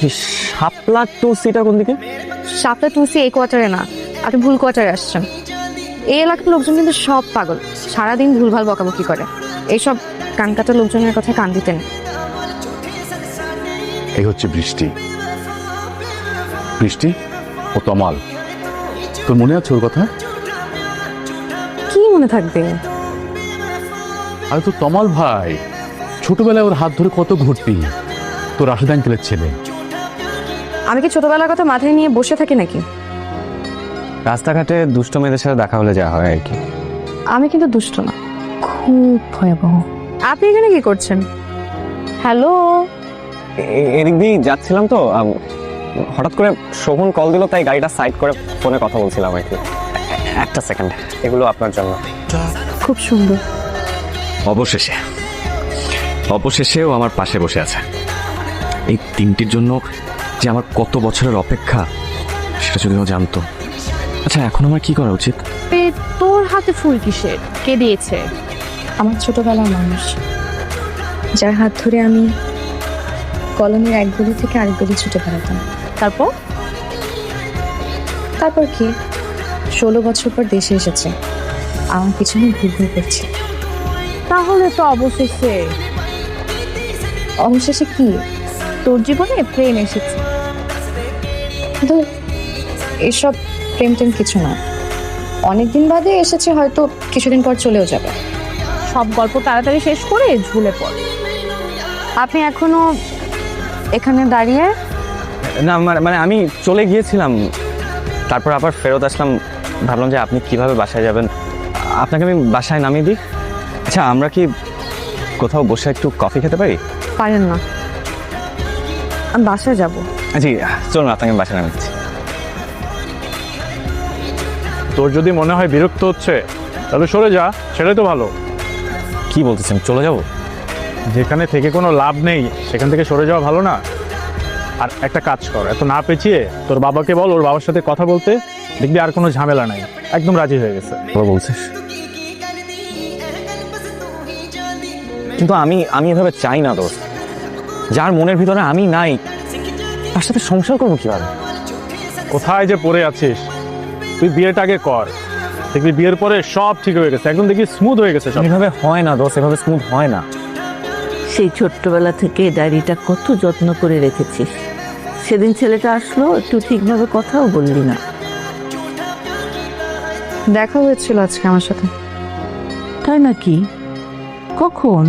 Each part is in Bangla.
শাপলা টু সিটা কোন দিকে? শাপলা টুসি এই কোয়ার্টারে না, আপনি ভুল কোয়ার্টারে আসছেন। এই এলাকার লোকজন কিন্তু সব পাগল, সারাদিন ভুলভাল বকাবকি করে। এইসব কানকাটা লোকজনের কথা কান দিতেন। এই হচ্ছে বৃষ্টি। বৃষ্টি ও তমাল, তোর মনে আছে ওর কথা? কি মনে থাকবে? আরে তো তমাল ভাই, ছোটবেলায় ওর হাত ধরে কত ঘুরতি, তোর রাশেদ আঙ্কেলের ছেলে। আমি কি ছোটবেলার কথা মাথায় নিয়ে বসে থাকি নাকি? রাস্তাঘাটে দুষ্ট মেয়েদের সাথে দেখা হলে যা হয় আর কি। আমি কিন্তু দুষ্ট না, খুব ভয়াবহ। আপনি এখানে কি করছেন? হ্যালো, এদিক দিয়ে যাচ্ছিলাম তো, হঠাৎ করে শোভন কল দিল, তাই গাড়িটা সাইড করে ফোনে কথা বলছিলাম আর কি। একটা সেকেন্ড, এগুলো আপনার জন্য। খুব সুন্দর। অবশেষেও আমার পাশে বসে আছে। এই তিনটির জন্য যে আমার কত বছরের অপেক্ষা, সেটা যদি ও জানতো। আচ্ছা, এখন আমার কি করা উচিত? তোর হাতে ফুল কিসের? কে দিয়েছে? আমার ছোটবেলার মানুষ, যার হাত ধরে আমি কলোনির এক গলি থেকে আরেক গলি ছুটে বেড়াতাম। তারপর কি 16 বছর পর দেশে এসেছে, আমার পিছনে ঘুরঘুর করছে। তাহলে তো অবশেষে কি তোর জীবনে প্রেম এসেছে? কিন্তু এসব প্রেম টেম কিছু না, অনেকদিন বাদে এসেছে, হয়তো কিছুদিন পর চলেও যাবে। সব গল্প তাড়াতাড়ি শেষ করে ঝুলে পড়। আপনি এখনো এখানে দাঁড়িয়ে? না, মানে আমি চলে গিয়েছিলাম, তারপর আবার ফেরত আসলাম। ভাবলাম যে আপনি কিভাবে বাসায় যাবেন, আপনাকে আমি বাসায় নামিয়ে দিই। আচ্ছা, আমরা কি কোথাও বসে একটু কফি খেতে পারি? পারেন না, আমি বাসায় যাব। জি চলুন, আপনাকে বাসায় নামিয়ে দিচ্ছি। তোর যদি মনে হয় বিরক্ত হচ্ছে, তাহলে সরে যা, সেটাই তো ভালো। কি বলতেছেন, চলে যাব? যেখানে থেকে কোনো লাভ নেই সেখান থেকে সরে যাওয়া ভালো না? আর একটা কাজ কর, এত না পেঁচিয়ে তোর বাবাকে বল ওর বাবার সাথে কথা বলতে, দেখবি আর কোনো ঝামেলা নাই, একদম রাজি হয়ে গেছে। বলছিস, কিন্তু আমি এভাবে চাই না দোস্ত। যার মনের ভিতরে আমি নাই, তার সাথে সংসার করবো কিভাবে? কোথায় যে পড়ে আছিস? তুই বিয়েটা আগে কর, দেখবি বিয়ের পরে সব ঠিক হয়ে গেছে, একদম দেখবি স্মুথ হয়ে গেছে সব। এভাবে হয় না দোস্ত, এভাবে স্মুথ হয় না। সেই ছোট্টবেলা থেকে ডায়েরিটা কত যত্ন করে রেখেছিস, সেদিন ছেলেটা আসলো, একটু ঠিকভাবে কথাও বললি না। দেখা হয়েছিল আজকে আমার সাথে। তাই নাকি? কখন?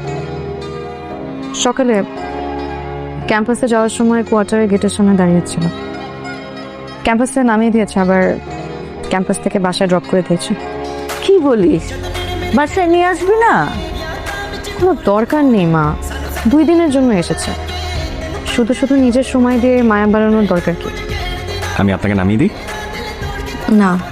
সকালে ক্যাম্পাসে যাওয়ার সময় কোয়ার্টারের গেটের সামনে দাঁড়িয়েছিল। ক্যাম্পাসে নামিয়ে দিয়েছে, আবার ক্যাম্পাস থেকে বাসায় ড্রপ করে দিয়েছে। কি বলিস? বাসায় নিয়ে আসবি না? কোনো দরকার নেই মা, 2 দিনের জন্য এসেছে। শুধু শুধু নিজের সময় দিয়ে মায়া বাড়ানোর দরকার কি? আমি আপনাকে নামিয়ে দিই? না,